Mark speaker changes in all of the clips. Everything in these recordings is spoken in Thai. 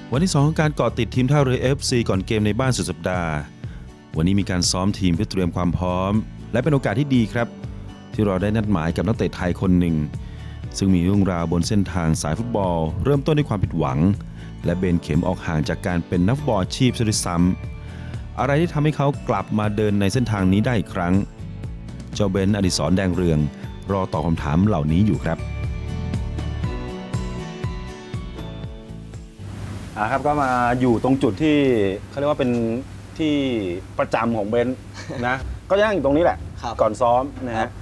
Speaker 1: วันที่ 2 ของการเกาะติดทีมท่าเรือ FC ก่อนเกมในบ้านสุดสัปดาห์วันนี้มีการซ้อมทีมเพื่อเตรียมความพร้อมและเป็นโอกาสที่ดีครับที่เราได้นัดหมายกับนักเตะไทยคนหนึ่งซึ่งมีเรื่องราวบนเส้นทางสายฟุตบอลเริ่มต้นด้วยความผิดหวังและเบนเข็มออกห่างจากการเป็นนักฟุตบอลอาชีพซะด้วยซ้ำอะไรที่ทำให้เขากลับมาเดินในเส้นทางนี้ได้อีกครั้งเจ้าเบนอดิศรแดงเรืองรอตอบคำถามเหล่านี้อยู่ครับ
Speaker 2: ครับก็มาอยู่ตรงจุดที่เขาเรียกว่าเป็นที่ประจำของเบนซ์นะ ก็ย่างอยู่ตรงนี้แหละก่อนซ้อมนะฮะ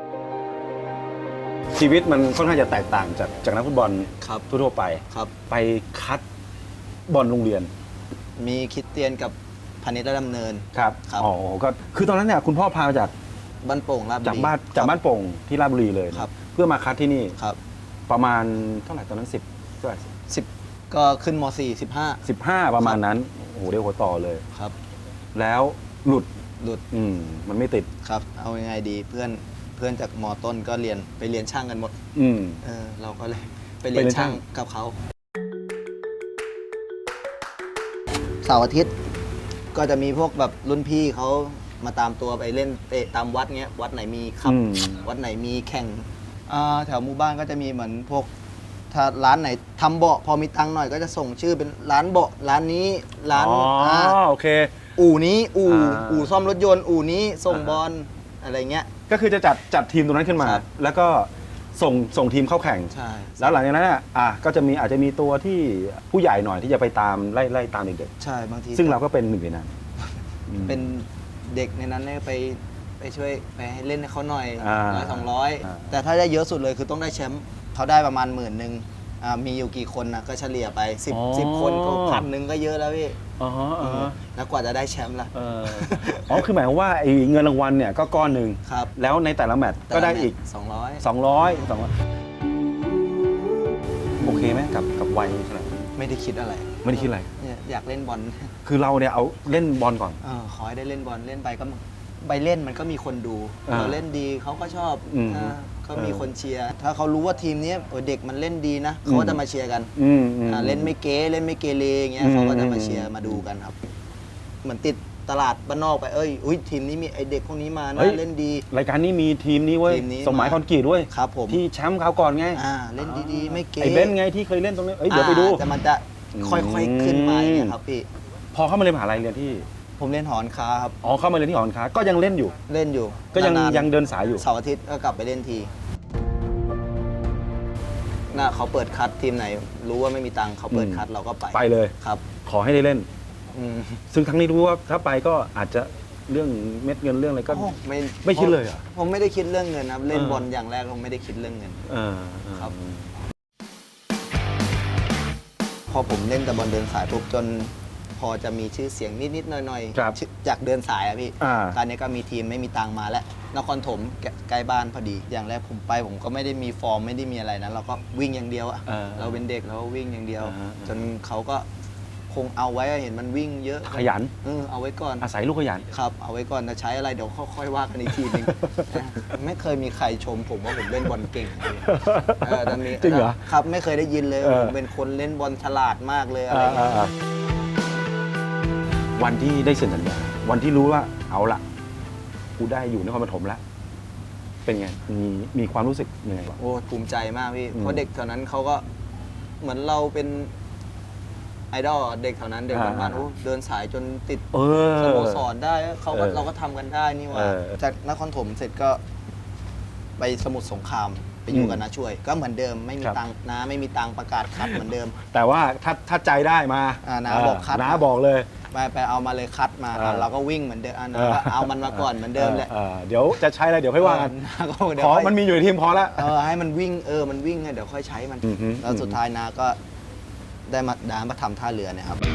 Speaker 2: ชีวิตมันค่อนข้างจะแตกต่างจากนักฟุตบอลทั่วไปไปคัดบอลโรงเรียน
Speaker 3: มีคริสเตียนกับพาณิชย์และดำเนิน
Speaker 2: ครับอ๋อก็คือตอนนั้นเนี่ยคุณพ่อพามาจาก
Speaker 3: บ้านโป่งราชบุรี
Speaker 2: จากบ้านโป่งที่ราชบุรีเลยเพื่อมาคัดที่นี่ประมาณเท่าไหร่ตอนนั้น10เท่าไหร่
Speaker 3: 10ก็ขึ้นม
Speaker 2: 15ประมาณนั้นโอ้โหเรียกหัวต่อเลย
Speaker 3: ครับ
Speaker 2: แล้วหลุดมันไม่ติด
Speaker 3: ครับเอายังไงดีเพื่อนจากม.ต้นก็ไปเรียนช่างกันหมดเราก็เลยไปเรียนช่างกับเขาเสาร์อาทิตย์ก็จะมีพวกแบบรุ่นพี่เขามาตามตัวไปเล่นเตะตามวัดเงี้ยวัดไหนมีครับวัดไหนมีแข่งแถวหมู่บ้านก็จะมีเหมือนพวกถ้าร้านไหนทำเบาะพอมีตังค์หน่อยก็จะส่งชื่อเป็นร้านเบาะร้านนี้ร้าน
Speaker 2: โอเค
Speaker 3: อู่นี้อู่ซ่อมรถยนต์อู่นี้ส่งบอลอะไรเงี้ย
Speaker 2: ก็คือจะจัดทีมตรงนั้นขึ้นมาแล้วก็ส่งทีมเข้าแข่ง
Speaker 3: ใช่
Speaker 2: แล้วหลังจากนั้นก็จะอาจจะมีตัวที่ผู้ใหญ่หน่อยที่จะไปตามไล่ตามเด็ก
Speaker 3: ๆใช่บางที
Speaker 2: ซึ่งเราก็เป็นหนึ่งในนั้น
Speaker 3: เป็นเด็กในนั้นเนี่ยไปช่วยไปให้เล่นให้เขาหน่อย100-200แต่ถ้าได้เยอะสุดเลยคือต้องได้แชมป์เขาได้ประมาณ10,000มีอยู่กี่คนนะก็เฉลี่ยไป10คนก็1,000ก็เยอะแล้วพี่แล้วกว่าจะได้แชมป์ล่ะ
Speaker 2: คือหมายความว่าไอ้เงินรางวัลเนี่ยก็ก้อนหนึ่งแล้วในแต่ละแมตช์ก็ได้อีก200โอเคไหมกับวัยขนาดนี้
Speaker 3: ไม่ได้คิดอะไรอยากเล่นบอล
Speaker 2: คือเราเนี่ยเอาเล่นบอลก่อน
Speaker 3: ขอให้ได้เล่นบอลเล่นไปก็ใบเล่นมันก็มีคนดูเราเล่นดีเขาก็ชอบก็มีคนเชียร์ถ้าเขารู้ว่าทีมนี้เด็กมันเล่นดีนะเขาก็จะมาเชียร์กันเล่นไม่เกเรอย่างเงี้ยเขาก็จะมาเชียร์มาดูกันครับเหมือนติดตลาดบ้านนอกไปทีมนี้มีไอเด็กพวกนี้มานะเล่นดี
Speaker 2: รายการนี้มีทีมนี้เว้ยสมัยคอนกรีตด้วย
Speaker 3: ครับผม
Speaker 2: ที่แชมป์คราวก่อนไง
Speaker 3: เล่นดีๆไม่เก
Speaker 2: ไอเบนไงที่เคยเล่นตรงนี้เดี๋ยวไปดู
Speaker 3: แต่มันจะค่อยๆขึ้นมาครับพี่
Speaker 2: พอเข้ามาเรียนมหาลัยเรียนที่
Speaker 3: ผมเล่นหอนค้าครับ
Speaker 2: เข้ามาเรียนที่หอนค้าก็ยังเล่นอยู่ก็ยังเดินสายอยู่
Speaker 3: เสาร์อาทิตย์ก็กลับไปเล่นทีน่าเขาเปิดคัดทีมไหนรู้ว่าไม่มีตังค์เขาเปิดคัดเราก็ไป
Speaker 2: เลย
Speaker 3: ครับ
Speaker 2: ขอให้ได้เล่นซึ่งทั้งนี้รู้ว่าถ้าไปก็อาจจะเรื่องเม็ดเงินเรื่องอะไรก็ไม่คิดเลย
Speaker 3: ผมไม่ได้คิดเรื่องเงินครับเล่นบอลอย่างแรกผมไม่ได้คิดเรื่องเงินครับพอผมเล่นแต่บอลเดินสายปุ๊บจนพอจะมีชื่อเสียงนิดๆหน่อยๆจากเดินสายพี่การนี้ก็มีทีมไม่มีตังมาแล้วนครถมใกล้บ้านพอดีอย่างแรกผมก็ไม่ได้มีฟอร์มไม่ได้มีอะไรนะเราก็วิ่งอย่างเดียวเราเป็นเด็กเราวิ่งอย่างเดียวจนเขาก็คงเอาไว้เห็นมันวิ่งเยอะ
Speaker 2: ขยัน
Speaker 3: เอาไว้ก่อน
Speaker 2: อาศัยลูกขยัน
Speaker 3: ครับเอาไว้ก่อนจะใช้อะไรเดี๋ยวค่อยว่ากันอีกทีนึงไม่เคยมีใครชมผมว่าผมเล่นบอลเก่ง
Speaker 2: จริงเหรอ
Speaker 3: ครับไม่เคยได้ยินเลยผมเป็นคนเล่นบอลฉลาดมากเลยอะไรอย่างเงี้ย
Speaker 2: วันที่ได้เซ็นสัญญาวันที่รู้ว่าเอาละกูได้อยู่นครปฐมแล้วเป็นไงมีความรู้สึกยังไงบ้าง
Speaker 3: ภูมิใจมากพี่เพราะเด็กแถวนั้นเขาก็เหมือนเราเป็นไอดอลเด็กแถวนั้นเด็กบ้านเดินสายจนติดสโมสรได้เราก็ทำกันได้นี่ว่าจากนครปฐมเสร็จก็ไปสมุทรสงครามไปอยู่กับน้าช่วยก็เหมือนเดิมไม่มีตังน้าไม่มีตังประกาศคัดเหมือนเดิม
Speaker 2: แต่ว่าถ้าใจได้มา
Speaker 3: น้าบอกคัด
Speaker 2: น้าบอกเลย
Speaker 3: ไปเอามาเลยคัดมาเราก็วิ่งเหมือนเดิมเอามันมาก่อนเหมือนเดิมแหละ
Speaker 2: เดี๋ยวจะใช้อะไรเดี๋ยวค่อยว่ากันขอมันมีอยู่ในทีมพอแล้ว
Speaker 3: ให้มันวิ่งมันวิ่งเดี๋ยวค่อยใช้มันแล้วสุดท้ายนาก็ได้มาทำท่าเรือเนี่ยครับ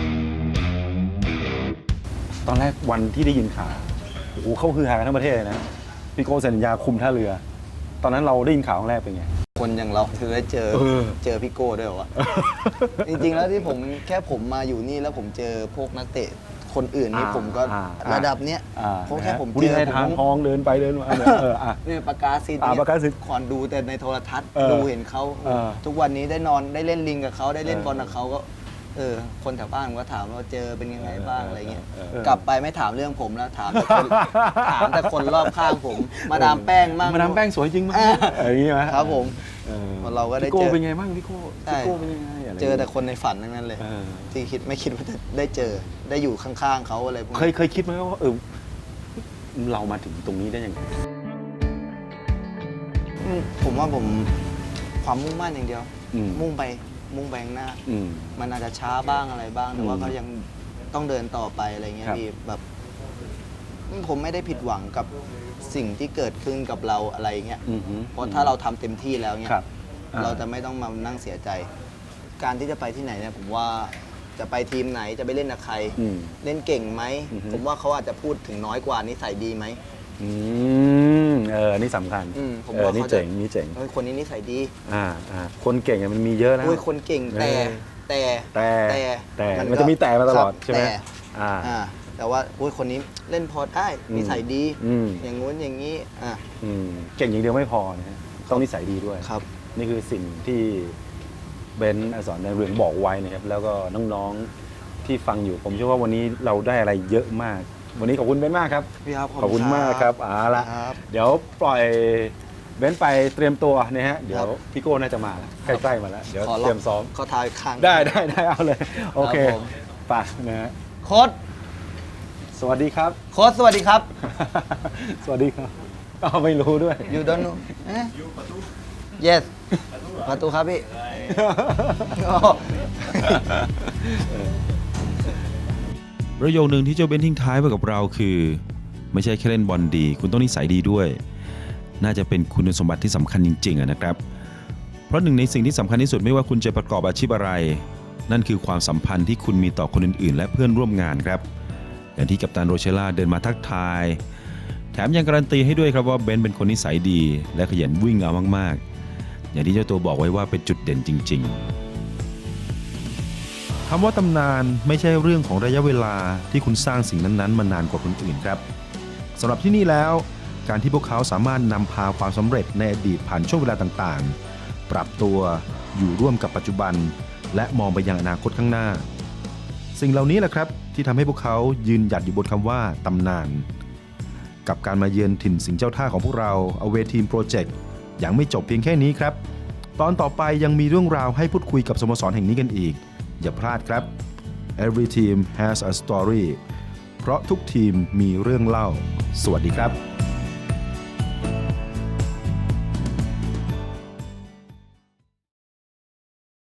Speaker 2: ตอนแรกวันที่ได้ยินข่าวเขาฮือฮากันทั้งประเทศเลยนะพี่โก้เซ็นสัญญาคุมท่าเรือตอนนั้นเราได้ยินข่าวครั้งแรกเป็นไง
Speaker 3: คนอย่างเราถือได้เจอพี่โก้ด้วยวะจริงๆแล้วที่ผมมาอยู่นี่แล้วผมเจอพวกนักเตะคนอื่นนี่ผมก็ระดับเนี้ยเพราะแค่ผมเจอ
Speaker 2: ทางทองเดินไปเดินมา
Speaker 3: เนี่ยประกาศสิทธิ์ขอนดูแต่ในโทรทัศน์ดูเห็นเขาทุกวันนี้ได้เล่นลิงกับเขาได้เล่นบอลกับเขาก็คนแถวบ้านก็ถามว่าเจอเป็นยังไงบ้างอะไรเงี้ย
Speaker 2: เออ
Speaker 3: กลับไปไม่ถามเรื่องผมแล้วถามแต่คน ถามแต่คนรอบข้างผม มาดามแป้งมั่ง
Speaker 2: มาดามแป้งสวยจริงไหมอย่างนี้ไหม
Speaker 3: ครับผม
Speaker 2: เออ
Speaker 3: เราก็ได้
Speaker 2: พี่โก้
Speaker 3: เจอ
Speaker 2: เป็นไงบ้างพี่โก้
Speaker 3: ใช่
Speaker 2: พี่โก้เป็นยังไงะไร
Speaker 3: เจอแต่คนในฝันทั้งนั้นเลย
Speaker 2: เออ
Speaker 3: ที่ไม่คิดว่าจะได้เจอได้อยู่ข้างๆเขาอะไรพวกนี้
Speaker 2: เคยคิดไหมว่าเรามาถึงตรงนี้ได้ยังไง
Speaker 3: ผมว่าผมความมุ่งมั่นอย่างเดียว
Speaker 2: อืม
Speaker 3: มุ่งไปข้างหน้า
Speaker 2: อืม
Speaker 3: มันอาจจะช้าบ้างอะไรบ้าง แต่ว่า
Speaker 2: อืม
Speaker 3: ก็ยังต้องเดินต่อไปอะไรเงี้ย
Speaker 2: ครับ
Speaker 3: พี่แบบผมไม่ได้ผิดหวังกับสิ่งที่เกิดขึ้นกับเราอะไรเงี้ย
Speaker 2: อือฮึ
Speaker 3: เพราะถ้าเราทำเต็มที่แล้วเนี่ย
Speaker 2: ครับ
Speaker 3: เราจะไม่ต้องมานั่งเสียใจ การที่จะไปที่ไหนเนี่ยผมว่าจะไปทีมไหนจะไปเล่นกับใคร
Speaker 2: อืม
Speaker 3: เล่นเก่งไหม
Speaker 2: อือฮึ
Speaker 3: ผมว่าเขาอาจจะพูดถึงน้อยกว่านิสัยดีไหม
Speaker 2: นี่สำคัญ
Speaker 3: ผมว่า
Speaker 2: นี่
Speaker 3: เขาจะ
Speaker 2: เจ๋งนี่เจ๋ง
Speaker 3: เฮ้ยคนนี้นิสัยดี
Speaker 2: คนเก่งมันมีเยอะนะ
Speaker 3: อุ้ยคนเก่งแต่
Speaker 2: แต่มันจะมีแต่มาตลอด
Speaker 3: ครับ
Speaker 2: ใช่ไหม
Speaker 3: แต่ว่าอุ้ยคนนี้เล่นพอได้
Speaker 2: อืม
Speaker 3: นิสัยดี
Speaker 2: อืม
Speaker 3: อย่างงู้นอย่างนี้
Speaker 2: เก่งอย่างเดียวไม่พอนะฮะต้องนิสัยดีด้วย
Speaker 3: ครับ
Speaker 2: นี่คือสิ่งที่เบนซ์อสรในเรืองบอกไว้นะครับแล้วก็น้องๆที่ฟังอยู่ผมเชื่อว่าวันนี้เราได้อะไรเยอะมาก วันนี้ขอบคุณเบนซ์มากครับ
Speaker 3: พี่ครับ
Speaker 2: ขอบคุณมากครับละ
Speaker 3: ครับ
Speaker 2: เดี๋ยวปล่อยเบนซ์ไปเตรียมตัวนะฮะเดี๋ยว
Speaker 3: ครับ
Speaker 2: พี่โก้น่าจะมาแล้วใกล้ๆมาแล้วเดี๋ยว
Speaker 3: ขอ
Speaker 2: เตรียมซ้อม
Speaker 3: ขอทายครั้ง
Speaker 2: ได้เอาเลยโอเค
Speaker 3: ครับผม
Speaker 2: ไปนะฮะ
Speaker 3: โค้ด
Speaker 2: สวัสดีครับ
Speaker 3: โค้ดสวัสดีครับ
Speaker 2: สวัสดีครับไม่รู้ด้วย
Speaker 3: you don't know yes ประตูครับพี่
Speaker 1: ประโยคหนึ่งที่เจ้าเบนทิ้งท้ายไว้กับเราคือ ไม่ใช่แค่เล่นบอลดี คุณต้องนิสัยดีด้วย น่าจะเป็นคุณสมบัติที่สำคัญจริงๆนะครับ เพราะหนึ่งในสิ่งที่สำคัญที่สุดไม่ว่าคุณจะประกอบอาชีพอะไร นั่นคือความสัมพันธ์ที่คุณมีต่อคนอื่นๆ และเพื่อนร่วมงานครับ อย่างที่กัปตันโรเชล่าเดินมาทักทาย แถมยังการันตีให้ด้วยครับว่าเบนเป็นคนนิสัยดี และขยันวิ่งเอามากๆ อย่างที่เจ้าตัวบอกไว้ว่าเป็นจุดเด่นจริงๆคำว่าตำนานไม่ใช่เรื่องของระยะเวลาที่คุณสร้างสิ่งนั้นๆมานานกว่าคนอื่นครับสำหรับที่นี่แล้วการที่พวกเขาสามารถนำพาความสำเร็จในอดีตผ่านช่วงเวลาต่างๆ ปรับตัวอยู่ร่วมกับปัจจุบัน และมองไปยังอนาคตข้างหน้า สิ่งเหล่านี้แหละครับที่ทำให้พวกเขายืนหยัดอยู่บนคำว่าตำนานกับการมาเยือนถิ่นสิงห์เจ้าท่าของพวกเรา Away Team Project ยังไม่จบเพียงแค่นี้ครับตอนต่อไปยังมีเรื่องราวให้พูดคุยกับสโมสรแห่งนี้กันอีกอย่าพลาดครับ Every team has a story เพราะทุกทีมมีเรื่องเล่าสวัสดีครับ